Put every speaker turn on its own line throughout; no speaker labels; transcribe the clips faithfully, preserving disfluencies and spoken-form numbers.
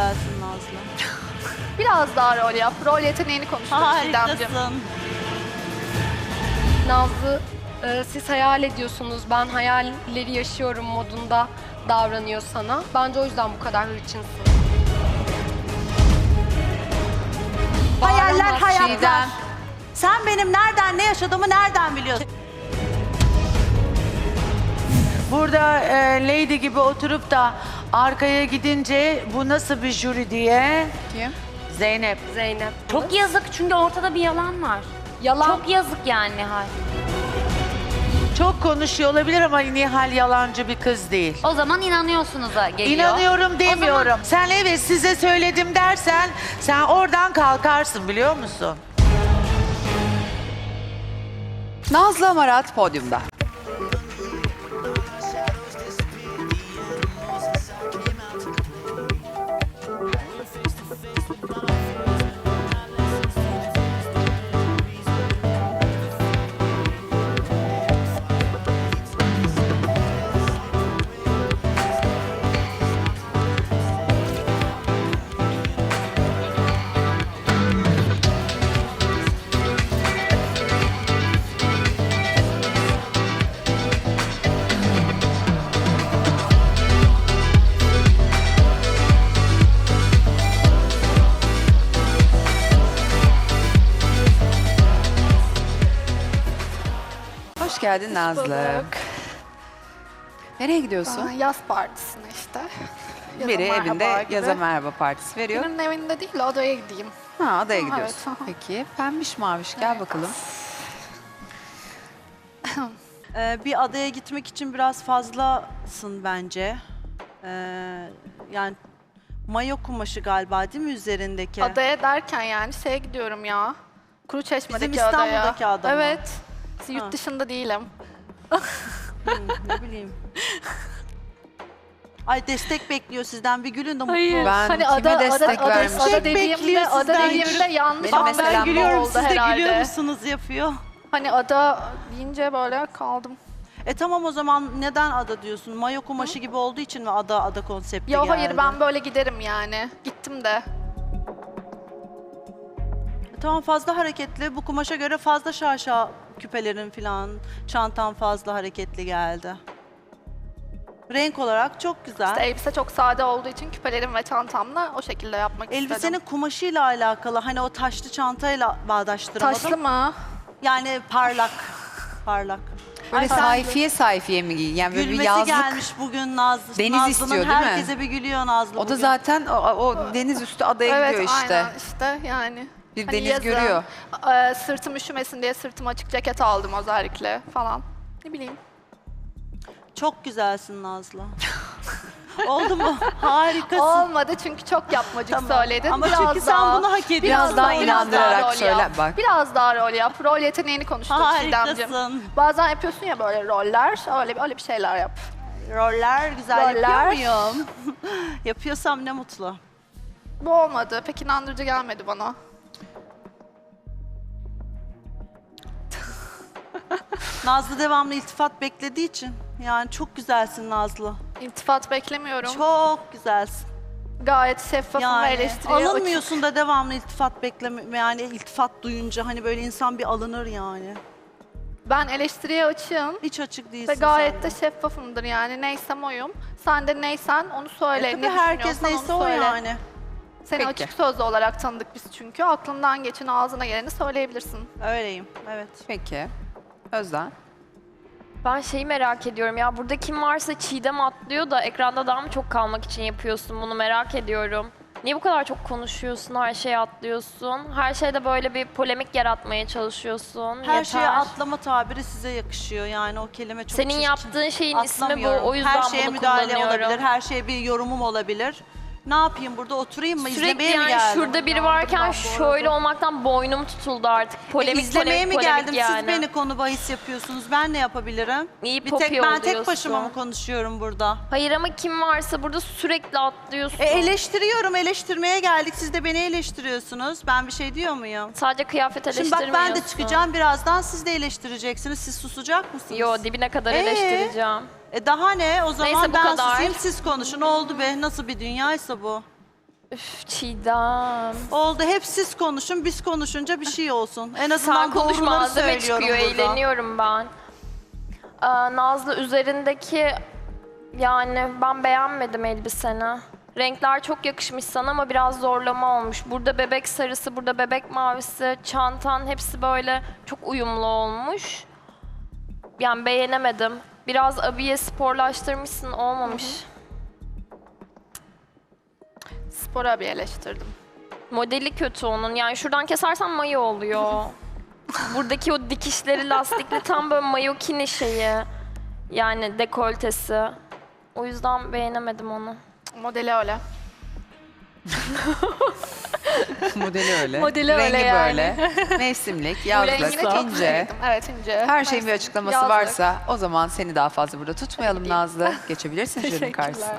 güzelsin Nazlı.
Biraz daha rol yap. Rol yeteneğini konuştuk Çiğdemciğim.
Harikasın.
Nazlı, e, siz hayal ediyorsunuz, ben hayalleri yaşıyorum modunda davranıyor sana. Bence o yüzden bu kadar hırçınsın.
Hayaller
Bağıramaz
hayatlar.
Çiğdem.
Sen benim nereden ne yaşadığımı nereden biliyorsun?
Burada e, Lady gibi oturup da arkaya gidince bu nasıl bir jüri diye.
Kim?
Zeynep.
Zeynep.
Çok yazık çünkü ortada bir yalan var.
Yalan.
Çok yazık yani Nihal.
Çok konuşuyor olabilir ama Nihal yalancı bir kız değil.
O zaman inanıyorsunuz da geliyor.
İnanıyorum demiyorum.
O zaman
Sen evet size söyledim dersen sen oradan kalkarsın biliyor musun?
Nazlı Amarat podyumda. Hoş geldin Nazlı.
bulduk.
Nereye gidiyorsun?
Aa, Yaz partisine işte. Yaza
Biri
merhaba
evinde
gibi.
yaza merhaba partisi veriyor.
Birinin evinde değil de odaya gideyim.
Ha, adaya
Ha,
gidiyorsun.
evet, aha.
Peki. Pembiş maviş gel bakalım.
Ee, bir adaya gitmek için biraz fazlasın bence. Ee, yani mayo kumaşı galiba değil mi üzerindeki?
Adaya derken yani şeye gidiyorum ya. Kuruçeşme'deki
Bizim
adaya.
İstanbul'daki ada mı?
Evet. Yurt
Ha.
dışında değilim.
Hmm, ne bileyim. Ay destek bekliyor sizden bir gülün de mutlu
Hayır.
olun.
Ben
hani
kime
ada,
destek
ada, ada,
vermişim?
ada
Bekliyor
dediğimde, ada
sizden.
dediğimde yanlış
Benim
anlam
mesela
Gülüyorum
oldu
siz de
herhalde.
gülüyor musunuz yapıyor.
Hani ada deyince böyle kaldım.
E tamam o zaman neden ada diyorsun? Mayo kumaşı gibi olduğu için mi ada ada konsepti
Ya
geldi?
hayır ben böyle giderim yani. Gittim de.
E tamam fazla hareketli. Bu kumaşa göre fazla şaşa küpelerin falan, çantan fazla hareketli geldi. Renk olarak çok güzel.
İşte elbise çok sade olduğu için küpelerim ve çantamla o şekilde yapmak
Elbisenin
istedim.
kumaşıyla alakalı hani o taşlı çantayla bağdaştıramadım.
Taşlı mı?
Yani parlak. Parlak.
Böyle
Ay, sen-
sayfiye sayfiye mi giyin? Yani böyle bir
Gülmesi
yazlık.
gelmiş bugün Nazlı.
Deniz
Nazlı'nın
istiyor, değil mi?
herkese bir gülüyor Nazlı
O da
bugün.
zaten o, o deniz üstü adaya
Evet
gidiyor işte.
aynen işte yani.
Bir
Hani
deniz
yazın,
görüyor.
e, sırtım üşümesin diye sırtıma açık ceket aldım özellikle falan. Ne bileyim.
Çok güzelsin Nazlı. Oldu mu? Harikasın.
Olmadı çünkü çok yapmacık
Tamam.
söyledin.
Ama
biraz
çünkü sen
daha,
bunu hak ediyorsun.
Biraz daha
biraz
inandırarak
rol
söyle,
yap.
bak.
Biraz daha rol yap. Rol yeteneğini konuştuk Çiğdemciğim.
Harikasın.
Bazen yapıyorsun ya böyle roller. Öyle, öyle bir şeyler yap.
Roller güzel
Roller.
yapıyor muyum? Yapıyorsam ne mutlu.
Bu olmadı. Pek inandırıcı gelmedi bana.
Nazlı devamlı iltifat beklediği için. Yani çok güzelsin Nazlı.
İltifat beklemiyorum.
Çok güzelsin.
Gayet şeffafım ve
Yani
eleştiriye açık.
alınmıyorsun da devamlı iltifat bekleme yani iltifat duyunca hani böyle insan bir alınır yani.
Ben eleştiriye açığım.
Hiç açık değilsin
Ve gayet
sen
de şeffafımdır yani. Neysem oyum. Sen de neysen onu söyle.
E tabii
ne
herkes
düşünüyorsan
neyse
onu
o
söyle.
yani.
Seni
Peki.
açık sözlü olarak tanıdık biz çünkü. Aklından geçen ağzına geleni söyleyebilirsin.
Öyleyim, evet.
Peki. Özden.
Ben şeyi merak ediyorum ya, burada kim varsa Çiğdem atlıyor da ekranda daha mı çok kalmak için yapıyorsun bunu, merak ediyorum. Niye bu kadar çok konuşuyorsun, her şeye atlıyorsun? Her şeyde böyle bir polemik yaratmaya çalışıyorsun.
Her
Yeter.
şeye atlama tabiri size yakışıyor yani o kelime çok
Senin
çirkin.
yaptığın şeyin ismi bu,
Atlamıyorum.
o yüzden
her şeye
bunu
müdahale
kullanıyorum.
olabilir, her şeye bir yorumum olabilir. Ne yapayım burada oturayım mı?
Sürekli
İzlemeye mi
yani
geldim?
şurada biri varken şöyle olmaktan boynum tutuldu artık. Polemik,
E, İzlemeye
polemik,
mi
polemik
geldim?
yani.
Siz beni konu bahis yapıyorsunuz. Ben ne yapabilirim?
İyi
bir
popi
tek ben tek
oluyorsun.
başıma mı konuşuyorum burada?
Hayır ama kim varsa burada sürekli atlıyorsun.
E, eleştiriyorum, eleştirmeye geldik. Siz de beni eleştiriyorsunuz. Ben bir şey diyor muyum?
Sadece kıyafet
Şimdi
eleştirmiyorsun.
bak ben de çıkacağım birazdan. Siz de eleştireceksiniz. Siz susacak mısınız?
Yo, dibine kadar
Ee?
eleştireceğim.
E daha ne? O zaman
Neyse, bu
ben
kadar.
susayım, siz konuşun. Oldu be. Nasıl bir dünyaysa bu.
Üf, Çiğdem.
Oldu, hep siz konuşun, biz konuşunca bir şey olsun. En azından
Sen konuşma,
doğruları
malzeme
söylüyorum
çıkıyor,
burada.
eğleniyorum ben. Aa, Nazlı, üzerindeki, yani ben beğenmedim elbiseni. Renkler çok yakışmış sana ama biraz zorlama olmuş. Burada bebek sarısı, burada bebek mavisi, çantan hepsi böyle çok uyumlu olmuş. Yani beğenemedim. Biraz abiye sporlaştırmışsın, olmamış.
Spor abi eleştirdim.
Modeli kötü onun. Yani şuradan kesersen mayo oluyor. Buradaki o dikişleri lastikli tam böyle mayokini şeyi. Yani dekoltesi. O yüzden beğenemedim onu.
Modeli öyle.
Modeli öyle.
Modeli öyle
Rengi
yani.
böyle. Mevsimlik,
Bu
yazlık,
rengine çok
ince.
sevdim. Evet, ince.
Her şeyin bir açıklaması
Yazlık.
varsa o zaman seni daha fazla burada tutmayalım
Gideyim.
Nazlı. Geçebilirsin jürinin
Teşekkürler.
karşısına.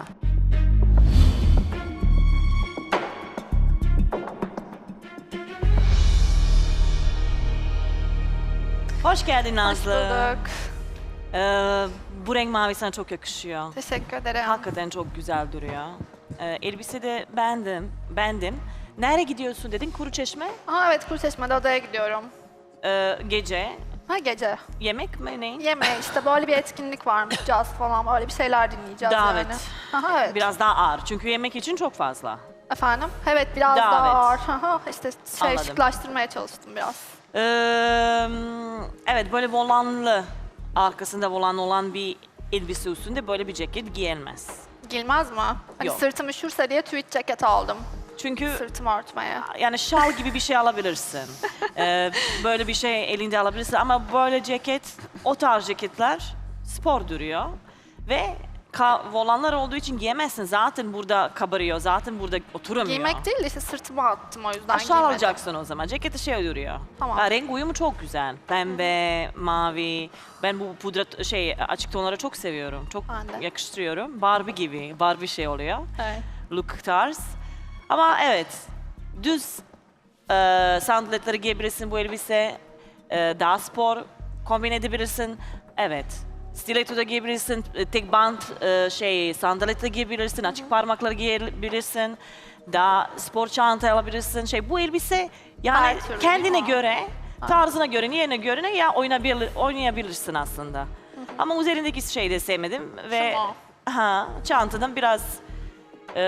Hoş geldin
Hoş
Nazlı.
bulduk.
Ee, bu renk mavi sana çok yakışıyor.
Teşekkür ederim.
Hakikaten çok güzel duruyor. Ee, elbise de beğendim, beğendim. Nereye gidiyorsun dedin? Kuruçeşme.
Aa, evet, Kuruçeşme'de odaya gidiyorum.
Ee, gece.
Ha, gece.
Yemek mi ne?
Yemeğe işte böyle bir etkinlik varmış. Caz falan, böyle bir şeyler dinleyeceğiz
Davet.
yani. Aha, evet.
Biraz daha ağır. Çünkü yemek için çok fazla.
Efendim? Evet, biraz
Davet.
daha ağır. Aha, işte şey
Anladım.
şıklaştırmaya çalıştım biraz.
Ee, evet, böyle volanlı, arkasında volan olan bir elbise üstünde böyle bir ceket giyilmez.
Gilmez mi? Hani
Yok.
sırtım üşürse diye tweed ceket aldım.
Çünkü
Sırtımı örtmeye.
yani şal gibi bir şey alabilirsin. Ee, böyle bir şey elinde alabilirsin ama böyle ceket, o tarz ceketler spor duruyor. Ve ka- volanlar olduğu için giyemezsin. Zaten burada kabarıyor, zaten burada oturamıyor.
Giymek değil de işte sırtıma attım, o yüzden
Aşağı
giymedim.
alacaksın o zaman. Ceketi şey duruyor.
Tamam.
Ha, renk uyumu çok güzel. Pembe, mavi. Ben bu pudra şey açık tonları çok seviyorum. Çok
Ben de.
yakıştırıyorum. Barbie gibi. Barbie şey oluyor.
Evet.
Look tarz. Ama evet, düz e, sandaletleri giyebilirsin bu elbise. E, daha spor kombin edebilirsin. Evet. Stiletto da giyebilirsin. e, Tek bant e, şey sandalet de giyebilirsin. Açık parmakları giyebilirsin. Daha spor çanta alabilirsin. Şey bu elbise yani
Her türlü
kendine
değil mi?
göre, tarzına göre, niyene göre ya oynayabilir, oynayabilirsin aslında. Ama üzerindeki şeyi de sevmedim ve
Tamam.
ha çantadan biraz e,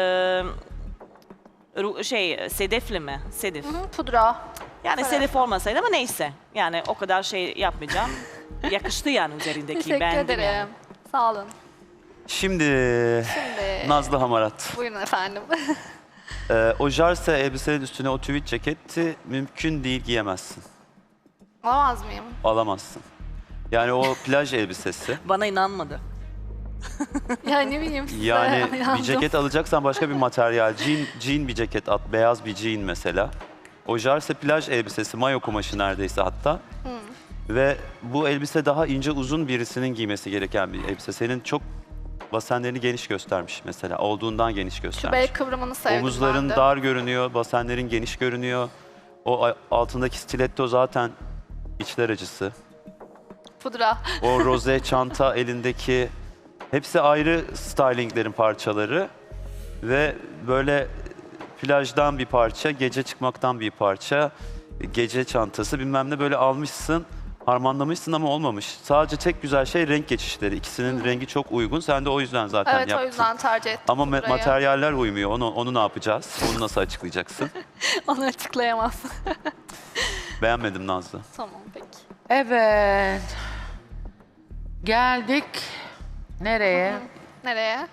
ru- şey sedefli mi? Sedef.
Hı, pudra.
Yani
Evet.
sedef olmasaydı ama neyse. Yani o kadar şey yapmayacağım. Yakıştı yani üzerindeki.
Teşekkür
beğendim
ederim.
yani.
Sağ olun.
Şimdi
Şimdi
Nazlı Hamarat.
buyurun efendim.
Ee, o jarse elbisenin üstüne o tweed ceketi mümkün değil giyemezsin.
Alamaz mıyım?
Alamazsın. Yani o plaj elbisesi.
Bana inanmadı.
Ya ne bileyim size
Yani bir
yandım.
ceket alacaksan başka bir materyal. Jean, jean bir ceket at. Beyaz bir jean mesela. O jarse plaj elbisesi. Mayo kumaşı neredeyse hatta. Ve bu elbise daha ince uzun birisinin giymesi gereken bir elbise. Senin çok basenlerini geniş göstermiş mesela. Olduğundan geniş
Şu
göstermiş.
bel kıvrımını sevdim
Omuzların
ben de.
dar görünüyor, basenlerin geniş görünüyor. O a- altındaki stiletto zaten içler acısı.
Pudra.
O roze çanta elindeki hepsi ayrı stylinglerin parçaları. Ve böyle plajdan bir parça, gece çıkmaktan bir parça, gece çantası bilmem ne böyle almışsın. Harmanlamışsın ama olmamış. Sadece tek güzel şey renk geçişleri. İkisinin rengi çok uygun. Sen de o yüzden zaten
Evet,
yaptın.
o yüzden tercih ettim
Ama me-
pudrayı.
materyaller uymuyor. Onu onu ne yapacağız? Onu nasıl açıklayacaksın?
Onu açıklayamazsın.
Beğenmedim Nazlı.
Tamam, peki.
Evet. Geldik. Nereye?
Nereye?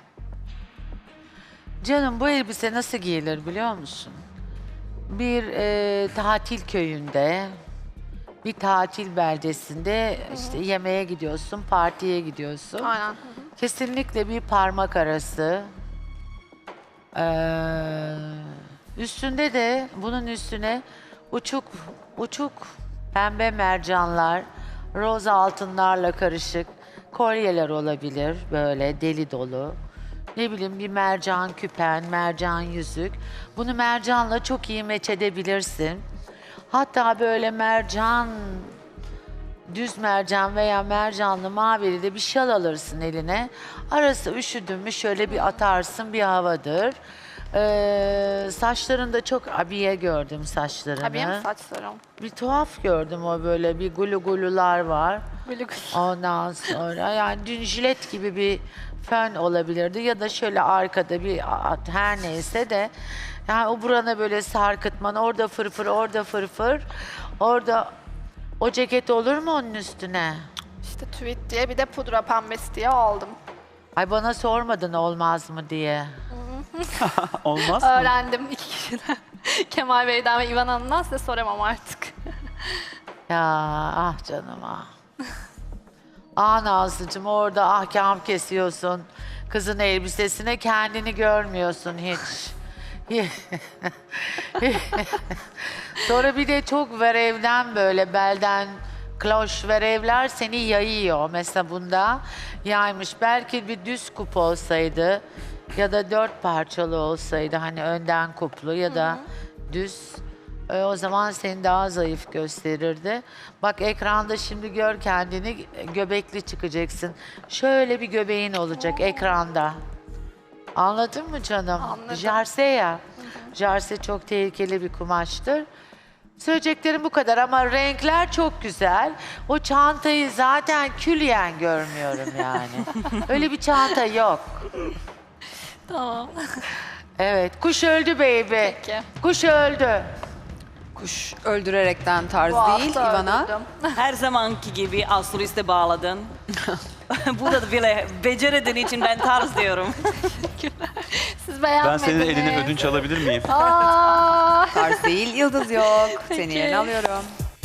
Canım bu elbise nasıl giyilir biliyor musun? Bir e, tatil köyünde, bir tatil beldesinde işte yemeğe gidiyorsun, partiye gidiyorsun.
Aynen.
Kesinlikle bir parmak arası. Ee, üstünde de bunun üstüne uçuk uçuk pembe mercanlar, roz altınlarla karışık kolyeler olabilir böyle deli dolu. Ne bileyim bir mercan küpen, mercan yüzük. Bunu mercanla çok iyi meç edebilirsin. Hatta böyle mercan, düz mercan veya mercanlı mavili de bir şal alırsın eline. Arası üşüdün mü şöyle bir atarsın bir havadır. Ee, saçlarında çok abiye gördüm saçlarını.
Ha, benim saçlarım.
Bir tuhaf gördüm o böyle bir gulu gulular var.
Böyle
Ondan sonra yani dün jilet gibi bir fön olabilirdi ya da şöyle arkada bir at her neyse de yani o burana böyle sarkıtman orada fırfır orada fırfır orada o ceket olur mu onun üstüne?
işte tweet diye bir de pudra pembesi diye aldım.
Ay bana sormadın olmaz mı diye.
Olmaz mı?
Öğrendim iki kişiden. Kemal Bey'den ve İvan Hanım'dan, size soramam artık.
Ya ah canım ah. Ah Nazlıcığım orada ahkam kesiyorsun. Kızın elbisesine kendini görmüyorsun hiç. Sonra bir de çok verevden böyle belden kloş verevler seni yayıyor. Mesela bunda yaymış. Belki bir düz kup olsaydı ya da dört parçalı olsaydı hani önden kuplu ya da düz. E, o zaman seni daha zayıf gösterirdi. Bak ekranda şimdi gör kendini göbekli çıkacaksın. Şöyle bir göbeğin olacak ekranda. Anladın mı canım?
Anladım.
Jarse ya. Jarse çok tehlikeli bir kumaştır. Söyleyeceklerim bu kadar ama renkler çok güzel. O çantayı zaten külliyen görmüyorum yani. Öyle bir çanta yok.
Tamam.
Evet, kuş öldü baby.
Peki.
Kuş öldü.
Kuş öldürerekten tarz
Bu
değil
hafta
İvana.
öldürdüm.
Her zamanki gibi astroliste bağladın. Burada da bile becerediğin için ben tarz diyorum.
Siz
Ben
beğenmediniz.
senin elinden ödünç alabilir miyim?
Aa,
Tarz değil, yıldız yok. Seni
Peki.
yerine alıyorum.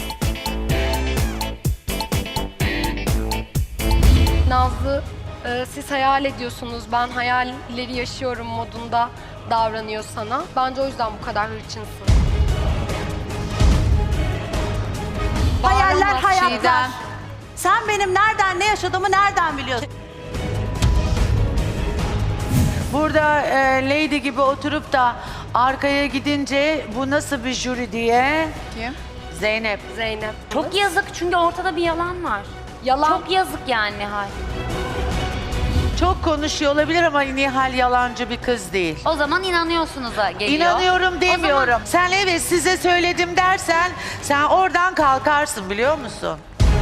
Nazlı, e, siz hayal ediyorsunuz, ben hayalleri yaşıyorum modunda davranıyor sana. Bence o yüzden bu kadar hırçınsın.
Hayaller
Bağıramaz.
hayatlar.
Çiğdem.
Sen benim nereden ne yaşadığımı nereden biliyorsun?
Burada e, Lady gibi oturup da arkaya gidince bu nasıl bir jüri diye
Kim?
Zeynep.
Zeynep.
Çok yazık çünkü ortada bir yalan var.
Yalan.
Çok yazık yani Nihal.
Çok konuşuyor olabilir ama Nihal yalancı bir kız değil.
O zaman inanıyorsunuz da geliyor.
İnanıyorum
O
demiyorum.
zaman-
Sen evet size söyledim dersen sen oradan kalkarsın biliyor musun?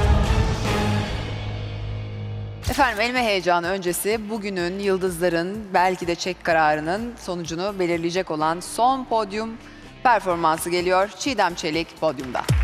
Efendim elime heyecanı öncesi bugünün yıldızların belki de çek kararının sonucunu belirleyecek olan son podyum performansı geliyor. Çiğdem Çelik podyumda.